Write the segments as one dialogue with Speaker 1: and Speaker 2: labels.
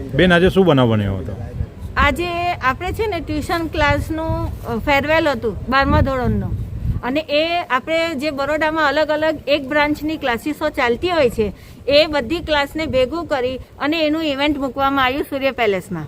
Speaker 1: બેન આજે શું બનાવ બન્યો હતો?
Speaker 2: આજે આપણે છે ને ટ્યુશન ક્લાસનું ફેરવેલ હતું 12મા ધોરણનું, અને એ આપણે જે બરોડામાં અલગ અલગ એક બ્રાન્ચની ક્લાસીસો ચાલતી હોય છે એ બધી ક્લાસને ભેગું કરી અને એનું ઇવેન્ટ મૂકવામાં આવ્યું સૂર્ય પેલેસમાં.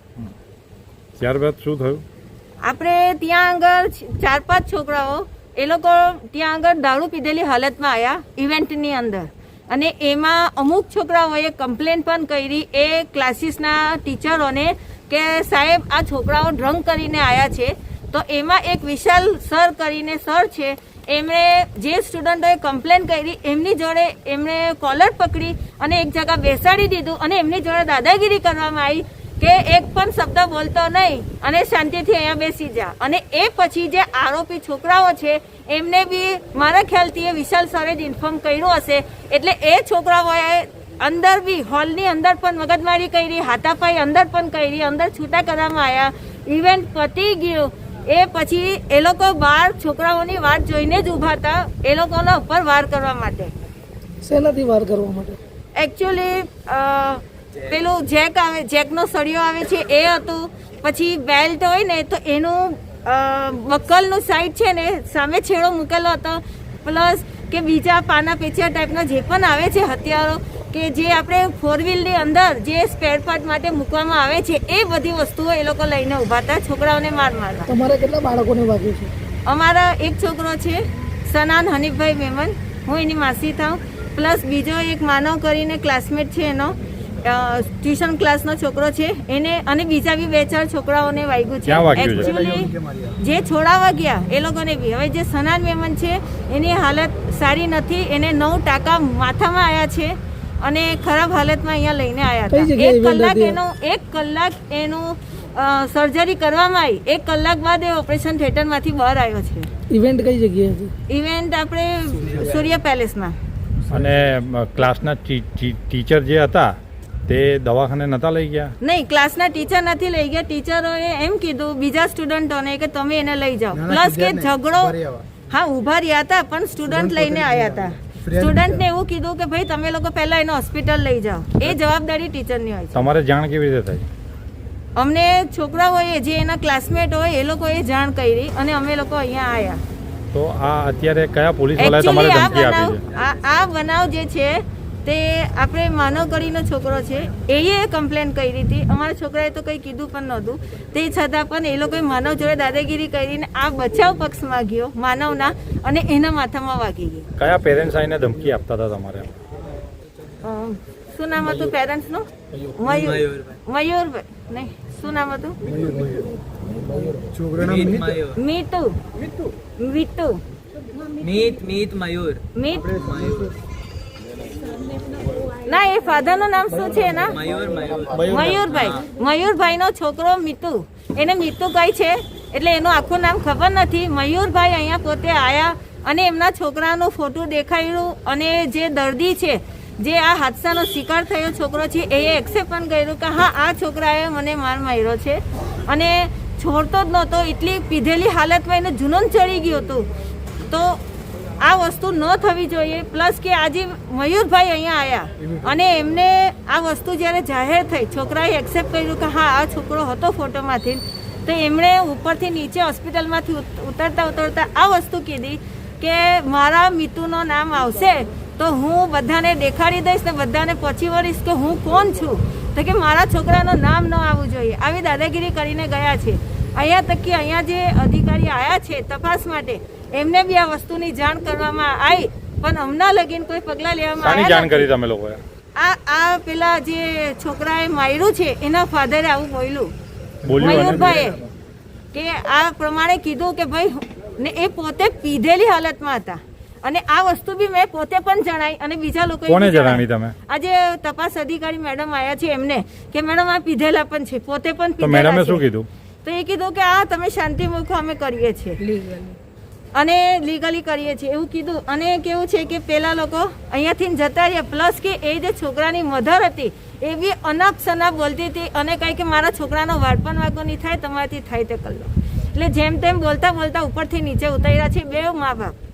Speaker 1: ત્યારબાદ શું થયું? આપણે
Speaker 2: ત્યાં આગળ 4-5 છોકરાઓ એ લોકો ત્યાં આગળ દારૂ પીધેલી હાલતમાં આવ્યા ઇવેન્ટની અંદર, અને એમાં અમુક છોકરાઓએ કમ્પ્લેન પણ કરી એ ક્લાસીસના ટીચરોને કે સાહેબ આ છોકરાઓ ડ્રંક કરીને આવ્યા છે. તો એમાં એક વિશાલ સર કરીને સર છે, એમણે જે સ્ટુડન્ટોએ કમ્પ્લેન કરી એમની જોડે એમણે કોલર પકડી અને એક જગ્યા બેસાડી દીધું અને એમની જોડે દાદાગીરી કરવામાં આવી કે એક પણ શબ્દ બોલતો નહીં અને શાંતિથી અહીંયા બેસી જા. અને એ પછી જે આરોપી છોકરાઓ છે એમને બી મારા ખ્યાલથી એ વિશાલ સરે જ ઇન્ફોર્મ કર્યું હશે, એટલે એ છોકરાઓએ અંદર બી હોલની અંદર પણ મગજમારી કરી, હાથાપાઈ અંદર પણ કરી, અંદર છૂટા કરવામાં આવ્યા. ઇવેન્ટ પતી ગયું એ પછી એ લોકો બહાર છોકરાઓની વાત જોઈને જ ઊભા હતા એ લોકોના ઉપર વાર કરવા માટે.
Speaker 3: શેનાથી વાર કરવા માટે?
Speaker 2: એકચ્યુઅલી પેલું જેકનો સળિયો આવે છે એ હતું, પછી બેલ્ટ હોય ને તો એનું બક્કલનું સાઈડ છે ને સામે છેડો મૂકેલો હતો, પ્લસ કે બીજા પાના પેચિયા ટાઈપના જે પણ આવે છે હથિયારો કે જે આપણે 4-વ્હીલની અંદર જે સ્પેર પાર્ટ માટે મૂકવામાં આવે છે એ બધી વસ્તુઓ એ લોકો લઈને ઊભા હતા છોકરાઓને મારવા.
Speaker 3: તમારે કેટલા બાળકોને વાગ્યું છે?
Speaker 2: અમારા એક છોકરો છે સનાન હનીફભાઈ મેમન, હું એની માસી થાઉં, પ્લસ બીજો એક માનવ કરીને ક્લાસમેટ છે એનો ટ્યુશન ક્લાસનો છોકરો છે એને, અને બીજા બી 2-4 છોકરાઓને વાગ્યું છે. એકચ્યુઅલી જે છોડાવા ગયા એ લોકોને બી. હવે જે સનાન મેમન છે એની હાલત સારી નથી, એને 9 ટાંકા માથામાં આવ્યા છે અને ખરાબ હાલતમાં અહીંયા લઈને આવ્યા હતા. 1 કલાક એનું સર્જરી કરવામાં આવી, 1 કલાક બાદ એ ઓપરેશન થિયેટરમાંથી બહાર આવ્યો છે.
Speaker 3: ઇવેન્ટ કઈ જગ્યાએ હતી?
Speaker 2: ઇવેન્ટ આપણે સૂર્ય પેલેસમાં.
Speaker 1: અને ક્લાસના ટીચર જે હતા તે દવાખાને નતા લઈ ગયા?
Speaker 2: નહીં, ક્લાસના ટીચર નથી લઈ ગયા. ટીચરોએ એમ કીધું બીજા સ્ટુડન્ટોને કે તમે એને લઈ જાઓ. પ્લસ કે ઝઘડો, હા ઉભા રહ્યા હતા પણ સ્ટુડન્ટ લઈને આવ્યા હતા. સ્ટુડન્ટને એવું કીધું કે ભાઈ તમે લોકો પહેલા એને હોસ્પિટલ લઈ જાઓ, એ જવાબદારી ટીચરની હોય છે.
Speaker 1: તમારે જાણ કેવી રીતે થઈ?
Speaker 2: અમને છોકરાઓએ જે એના ક્લાસમેટ હોય એ લોકોએ જાણ કરી અને અમે લોકો અહીંયા આવ્યા.
Speaker 1: તો આ અત્યારે કયા પોલીસ વાળાએ તમારે ધમકી આપી છે?
Speaker 2: આ બનાવ જે છે તે આપણે માનવગઢીનો છોકરો છે એ કમ્પ્લેન કરી હતી. અમારા છોકરાએ તો કંઈ કીધું પણ નહોતું, તે છતાં પણ એ લોકોએ માનવ જોડે દાદાગીરી કરીને આ બચાવ પક્ષમાં ગયો માનવના અને એના માથામાં વાગી ગઈ.
Speaker 1: કયા પેરેન્ટ્સ આવીને ધમકી આપતા હતા તમારે?
Speaker 2: શું નામ હતું પેરેન્ટ્સનું? મયુરભાઈ નહીં, શું નામ હતું? મીત ના, એ ફાધરનું નામ શું છે એના? મયુરભાઈ નો છોકરો મીતુ, એને મીતુ કહી છે એટલે એનું આખું નામ ખબર નથી. મયુરભાઈ અહીંયા પોતે આયા અને એમના છોકરાનો ફોટો દેખાડ્યું, અને જે દર્દી છે જે આ હાદસાનો શિકાર થયો છોકરો છે એ એક્સેપ્ટ પણ કર્યું કે હા આ છોકરાએ મને માર માર્યો છે, અને છોડતો જ નહોતો. એટલી પીધેલી હાલતમાં એને જુનૂન ચડી ગયું હતું. તો આ વસ્તુ ન થવી જોઈએ. પ્લસ કે આજે મયુરભાઈ અહીંયા આવ્યા અને એમને આ વસ્તુ જ્યારે જાહેર થઈ, છોકરાએ એક્સેપ્ટ કર્યું કે હા આ છોકરો હતો ફોટોમાંથી, તો એમણે ઉપરથી નીચે હોસ્પિટલમાંથી ઉતરતા આ વસ્તુ કીધી કે મારા મિતુનું નામ આવશે તો હું બધાને દેખાડી દઈશ ને બધાને પહોંચી વળીશ કે હું કોણ છું, તો કે મારા છોકરાનું નામ ન આવવું જોઈએ. આવી દાદાગીરી કરીને ગયા છે. અહીંયા તક કે અહીંયા જે અધિકારી આવ્યા છે તપાસ માટે, એમને બી આ વસ્તુની જાણ કરવામાં આવી, પણ હમણાં લગીન કોઈ પગલાં લેવામાં આવ્યા.
Speaker 1: જાણ કરી તમે લોકોએ?
Speaker 2: આ પેલા જે છોકરાએ માર્યું છે એના ફાધરે આવું બોલ્યું મયુરભાઈએ, કે આ પ્રમાણે કીધું કે ભાઈ, ને એ પોતે પીધેલી હાલતમાં હતા. અને આ વસ્તુ બી મેં પોતે પણ જણાવી અને બીજા લોકોએ
Speaker 1: કોને જણાવી? તમે
Speaker 2: આજે તપાસ અધિકારી મેડમ આવ્યા છે એમને કે મેડમ આ પીધેલા પણ છે, પોતે પણ
Speaker 1: પીધેલા. મેડમે શું કીધું?
Speaker 2: તો એ કીધું કે આ તમે શાંતિ મૂકો, અમે કરીએ છીએ અને લીગલી કરીએ છીએ એવું કીધું. અને કેવું છે કે પેલા લોકો અહીંયાથી જતા રહ્યા, પ્લસ કે એ જે છોકરાની મધર હતી એ બી અનાપ શનાપ બોલતી હતી અને કહી કે મારા છોકરાનો વાળપણ વાગો નહીં થાય, તમારાથી થાય તે કરી લો. એટલે જેમ તેમ બોલતા બોલતા ઉપરથી નીચે ઉતાર્યા છે 2 મા બાપ.